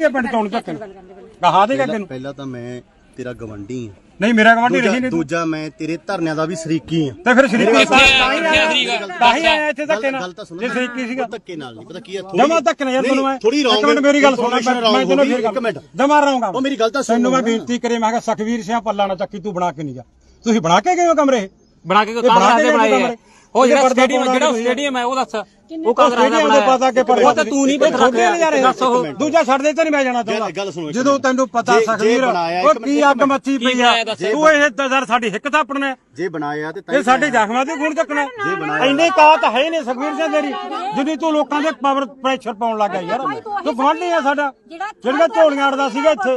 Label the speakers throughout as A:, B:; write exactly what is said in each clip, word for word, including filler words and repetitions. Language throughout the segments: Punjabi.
A: ਪਿੰਡ ਚੋਂ ਤੱਕ ਕਹਾ ਦੇਗਾ ਤੈਨੂੰ
B: ਪਹਿਲਾਂ ਤਾਂ ਮੈਂ ਤੇਰਾ ਗਵੰਡੀ ਆ
A: ਨਹੀਂ ਮੇਰਾ ਗਵਾਂਢੀ ਰਹੀ ਨਹੀਂ
B: ਦੂਜਾ ਮੈਂ ਤੇਰੇ ਧਰਨਿਆਂ ਦਾ ਵੀ ਸ਼ਰੀਕੀ ਆ
A: ਤੇ ਫਿਰ ਸ਼ਰੀਕੀ ਤਾਂ ਹੀ ਆਇਆ ਇੱਥੇ ਧੱਕੇ ਨਾਲ ਜੇ ਸ਼ਰੀਕੀ ਸੀਗਾ
B: ਧੱਕੇ ਨਾਲ ਨਹੀਂ ਪਤਾ ਕੀ ਆ
A: ਜਮਾ ਧੱਕੇ ਨਾਲ ਯਾਰ ਤੁਹਾਨੂੰ ਮੈਂ
B: ਥੋੜੀ ਰੌਂਗ
A: ਇੱਕ ਮਿੰਟ ਮੇਰੀ ਗੱਲ ਸੁਣ ਮੈਂ ਤੈਨੂੰ ਫਿਰ
B: ਇੱਕ ਮਿੰਟ
A: ਜਮਾ ਰਹਾਂਗਾ
B: ਉਹ ਮੇਰੀ ਗੱਲ ਤਾਂ ਸੁਣ
A: ਤੈਨੂੰ ਮੈਂ ਬੇਨਤੀ ਕਰੇ ਮੈਂ ਕਿਹਾ ਸਖਵੀਰ ਸਿੰਘ ਪੱਲਾ ਨਾ ਚੱਕੀ ਤੂੰ ਬਣਾ ਕੇ ਨਹੀਂ ਜਾ ਤੁਸੀਂ ਬਣਾ ਕੇ ਗਏ ਹੋ ਕਮਰੇ
C: ਬਣਾ ਕੇ ਕਾਂਗਰਸ ਦੇ ਬਣਾਏ ਉਹ ਜਿਹੜਾ ਸਟੇਡੀਅਮ ਜਿਹੜਾ ਸਟੇਡੀਅਮ ਹੈ ਉਹ ਦੱਸ ਉਹ ਕਾਂਗਰਸ ਦਾ
A: ਬਣਾਇਆ ਪਤਾ ਕਿ ਪਰ
C: ਉਹ ਤਾਂ ਤੂੰ ਨਹੀਂ ਪਤਾ
A: ਦੱਸ ਉਹ ਦੂਜਾ ਛੱਡ ਦੇ ਤੇ ਨਹੀਂ ਮੈਂ ਜਾਣਾ ਚਾਹੁੰਦਾ ਜਦੋਂ ਤੈਨੂੰ ਪਤਾ ਸਖਵੀਰ ਉਹ ਕੀ ਅੱਗ ਮੱਚੀ ਪਈ ਆ ਤੂੰ ਇਹ ਦਜ਼ਰ ਸਾਡੀ ਹਿੱਕ ਥਾਪਣਾ
B: ਜੇ ਬਣਾਇਆ ਤੇ
A: ਇਹ ਸਾਡੇ ਜ਼ਖਮਾਂ ਤੇ ਖੂਨ ਚੱਕਣਾ ਇੰਨੇ ਕਾਤ ਹੈ ਨਹੀਂ ਸਖਵੀਰ ਸਿੰਘ ਤੇਰੀ ਜਿੰਨੀ ਤੂੰ ਲੋਕਾਂ ਦੇ ਪਾਵਰ ਪ੍ਰੈਸ਼ਰ ਪਾਉਣ ਲੱਗਾ ਯਾਰ ਤੂੰ ਗਵਾਂਢੀ ਆ ਸਾਡਾ ਜਿਹੜਾ ਝੋਲੀਆਂ ਅੜਦਾ ਸੀਗਾ ਇੱਥੇ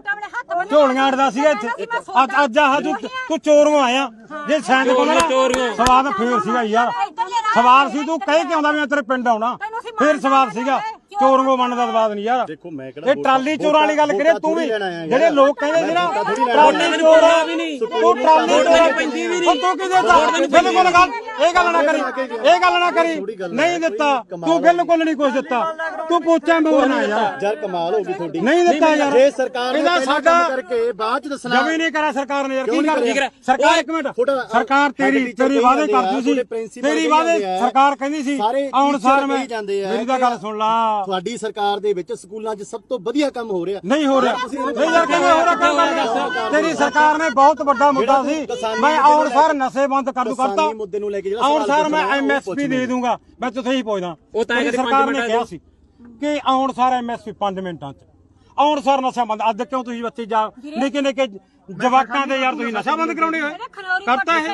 A: ਝੋਲੀਆਂ ਅੜਦਾ ਸੀਗਾ ਇੱਥੇ ਅੱਜ ਆਹ ਤੂੰ ਚੋਰੋਂ ਆਇਆ ਜੇ ਸੈਂਡ ਕੋਲ ਸਵਾਦ ਫੇਰ ਸੀਗਾ ਯਾਰ ਸਵਾਲ ਸੀ ਤੂੰ ਕਹਿ ਕੇ ਆਉਂਦਾ ਮੈਂ ਤੇਰੇ ਪਿੰਡ ਆਉਣਾ ਫੇਰ ਸਵਾਲ ਸੀਗਾ ਚੋਰੋਂ ਬਣਨ ਦਾ ਸਵਾਦ ਨਹੀਂ ਯਾਰ
B: ਦੇਖੋ ਮੈਂ ਕਿਹੜਾ
A: ਇਹ ਟਰਾਲੀ ਚੋਰਾਂ ਵਾਲੀ ਗੱਲ ਕਰੇ ਤੂੰ ਵੀ ਜਿਹੜੇ ਲੋਕ ਕਹਿੰਦੇ ਸੀ ਨਾ ਟਰਾਲੀ ਚੋਰਾਂ ਵੀ ਨਹੀਂ ਤੂੰ ਟਰਾਲੀ ਚੋਰਾਂ ਪੈਂਦੀ ਵੀ ਨਹੀਂ ਤੂੰ ਕਿਹਦੇ ਦਾ ਬਿਲਕੁਲ ਗੱਲ ਇਹ ਗੱਲ ਨਾ ਕਰੀ ਇਹ ਗੱਲ ਨਾ ਕਰੀ ਨਹੀਂ ਦਿੱਤਾ ਤੂੰ ਬਿਲਕੁਲ ਨਹੀਂ ਕੁਝ ਦਿੱਤਾ ਤੂੰ ਪੋਚਾ ਮੋਰਨਾ ਯਾਰ
B: ਯਾਰ ਕਮਾਲ ਹੋ ਗਈ ਤੁਹਾਡੀ
A: ਨਹੀਂ ਦਿੱਤਾ ਯਾਰ
B: ਜੇ ਸਰਕਾਰ ਨੇ
A: ਇਹਦਾ ਸਾਡਾ
B: ਕਰਕੇ ਬਾਅਦ ਚ ਦੱਸਣਾ
A: ਜਮੀ ਨਹੀਂ ਕਰਾ ਸਰਕਾਰ ਨੇ ਯਾਰ ਕੀ ਕਰ ਸਰਕਾਰ ਇੱਕ ਮਿੰਟ ਸਰਕਾਰ ਤੇਰੀ ਤੇਰੀ ਵਾਅਦੇ ਕਰਦੀ ਸੀ ਤੇਰੀ ਵਾਅਦੇ ਸਰਕਾਰ ਕਹਿੰਦੀ ਸੀ ਆਉਣ ਸਾਰ ਮੈਂ ਮੇਰੀ ਤਾਂ ਗੱਲ ਸੁਣ ਲਾ
B: ਤੁਹਾਡੀ ਸਰਕਾਰ ਦੇ ਵਿੱਚ ਸਕੂਲਾਂ 'ਚ ਸਭ ਤੋਂ ਵਧੀਆ ਕੰਮ ਹੋ ਰਿਹਾ
A: ਨਹੀਂ ਹੋ ਰਿਹਾ ਨਹੀਂ ਯਾਰ ਕਿਵੇਂ ਹੋ ਰਿਹਾ ਕੰਮ ਤੇਰੀ ਸਰਕਾਰ ਨੇ ਬਹੁਤ ਵੱਡਾ ਮੁੱਦਾ ਸੀ ਮੈਂ ਆਉਣ ਸਾਰ ਨਸ਼ੇ ਬੰਦ ਕਰ ਦੂ ਕਰਤਾ
B: ਮੁੱਦੇ ਨੂੰ ਲੈ ਕੇ
A: ਆਉਣ ਸਾਰ ਮੈਂ ਐਮਐਸਪੀ ਦੇ ਦੂੰਗਾ ਮੈਂ ਤੁਥੇ ਹੀ ਪੁੱਛਦਾ
C: ਉਹ ਤਾਂ
A: ਸਰਕਾਰ ਨੇ ਕਿਹਾ ਸੀ ਕਿ ਆਉਣ ਸਾਰ ਐਮਐਸਪੀ ਪੰਜ ਮਿੰਟਾਂ 'ਚ ਆਉਣ ਸਾਰ ਨਸ਼ਾ ਬੰਦ ਅੱਜ ਕਿਉਂ ਤੁਸੀਂ ਬੱਚੇ ਜਾ ਨਿੱਕੇ ਨਿੱਕੇ ਜਵਾਕਾਂ ਦੇ ਯਾਰ ਤੁਸੀਂ ਨਸ਼ਾ ਬੰਦ ਕਰਾਉਣੇ ਹੋਏ ਕਰਤਾ ਹੈ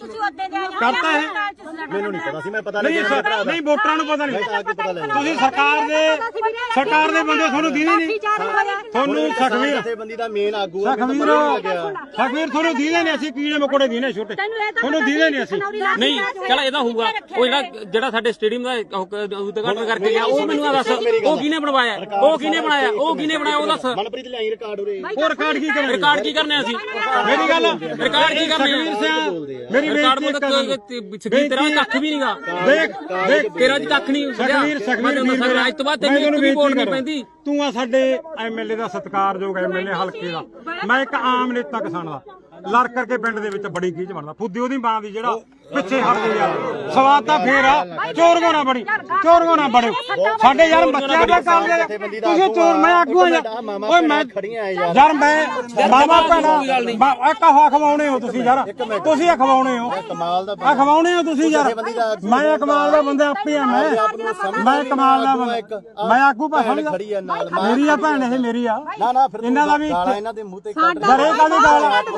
A: ਕਰਤਾ ਹੈ
B: ਮੈਨੂੰ ਨਹੀਂ ਪਤਾ ਸੀ ਮੈਂ ਪਤਾ
A: ਨਹੀਂ ਨਹੀਂ ਵੋਟਰਾਂ ਨੂੰ ਪਤਾ ਨਹੀਂ ਤੁਸੀਂ ਸਰਕਾਰ ਦੇ ਸਰਕਾਰ ਦੇ ਬੰਦੇ ਤੁਹਾਨੂੰ ਦੀਦੇ ਨਹੀਂ ਤੁਹਾਨੂੰ ਸਖਵੀਰ
B: ਜਥੇਬੰਦੀ ਦਾ ਮੇਨ ਆਗੂ ਆ
A: ਸਖਵੀਰ ਸਖਵੀਰ ਤੁਹਾਨੂੰ ਦੀਦੇ ਨਹੀਂ ਅਸੀਂ ਕੀੜੇ ਮਕੋੜੇ ਦੀਨੇ ਛੋਟੇ ਤੁਹਾਨੂੰ ਦੀਦੇ ਨਹੀਂ ਅਸੀਂ
C: ਨਹੀਂ ਚਲ ਇਹਦਾ ਹੋਊਗਾ ਉਹ ਜਿਹੜਾ ਜਿਹੜਾ ਸਾਡੇ ਸਟੇਡੀਅਮ ਦਾ ਉਦਘਾਟਨ ਕਰਕੇ ਗਿਆ ਉਹ ਮੈਨੂੰ ਦੱਸ ਉਹ ਕਿਹਨੇ ਬਣਵਾਇਆ ਉਹ ਕਿਹਨੇ ਬਣਾਇਆ ਉਹ ਕਿਹਨੇ ਬਣਾਇਆ ਉਹ ਦੱਸ
B: ਮਨਪ੍ਰੀਤ ਲਈ ਰਿਕਾਰਡ ਉਰੇ
A: ਉਹ ਰਿਕਾਰਡ ਕੀ ਕਰਨਾ
C: ਰਿਕਾਰਡ ਕੀ ਕਰਨਾ ਅਸੀਂ
A: ਮੇਰੀ ਗੱਲ
C: ਰਿਕਾਰਡ ਕੀ ਕਰਨਾ
A: ਮੇਰੀ
C: ਰਿਕਾਰਡ ਮੋਦ ਸਖਵੀਰ ਤੇਰਾ ਕੱਖ ਵੀ ਨਹੀਂਗਾ
A: ਦੇਖ ਦੇਖ
C: ਤੇਰਾ ਜੀ ਕੱਖ ਨਹੀਂ
A: ਸਖਵੀਰ ਸਖਵੀਰ
C: ਅੱਜ ਤੋਂ ਬਾਅਦ ਤੈਨੂੰ ਇੱਕ ਵੀ ਵੋਟ ਨਹੀਂ ਪੈਂਦੀ
A: ਤੂੰ ਆ ਸਾਡੇ ਐਮਐਲਏ ਦਾ ਸਤਿਕਾਰਯੋਗ ਐਮਐਲਏ ਹਲਕੇ ਦਾ ਮੈਂ ਇੱਕ ਆਮ ਨੇਤਾ ਕਿਸਾਨ ਦਾ ਲੜ ਕਰਕੇ ਪਿੰਡ ਦੇ ਵਿੱਚ ਬੜੀ ਗੀਜ ਬਣਦਾ ਫੁੱਦੀ ਉਹਦੀ ਮਾਂ ਦੀ ਜਿਹੜਾ ਪਿੱਛੇ ਹਟ ਗਈ ਯਾਰ ਸਵਾਦ ਤਾਂ ਫੇਰ ਆ ਚੋਰਗੋ ਨਾ ਬੜੀ ਚੋਰਗੋ ਨਾ ਬੜੇ ਸਾਡੇ ਯਾਰ ਬੱਚਿਆਂ ਦਾ ਕੰਮ ਦੇ ਤੁਸੀਂ ਚੋਰ ਮੈਂ ਆਗੂ ਆ ਓਏ ਮੈਂ ਯਾਰ ਮੈਂ ਮਾਮਾ ਭੈਣਾ ਇੱਕ ਖਵਾਉਣੇ ਹੋ ਤੁਸੀਂ ਯਾਰ ਤੁਸੀਂ ਇਹ ਖਵਾਉਣੇ ਹੋ
B: ਕਮਾਲ ਦਾ
A: ਆ ਖਵਾਉਣੇ ਹੋ ਤੁਸੀਂ ਯਾਰ ਮੈਂ ਕਮਾਲ ਦਾ ਬੰਦਾ ਆਪੇ ਆ ਮੈਂ ਮੈਂ ਕਮਾਲ ਦਾ ਬੰਦਾ ਮੈਂ ਆਗੂ ਭਾਸ਼ਣ ਮੇਰੀ ਆ ਭੈਣ ਇਹ ਮੇਰੀ ਆ
B: ਨਾ ਨਾ ਫਿਰ
A: ਇਹਨਾਂ ਦਾ ਵੀ
B: ਇਹਨਾਂ ਦੇ ਮੂੰਹ ਤੇ ਕੱਢ
A: ਘਰੇ ਕਾਲੀ ਗਾਲ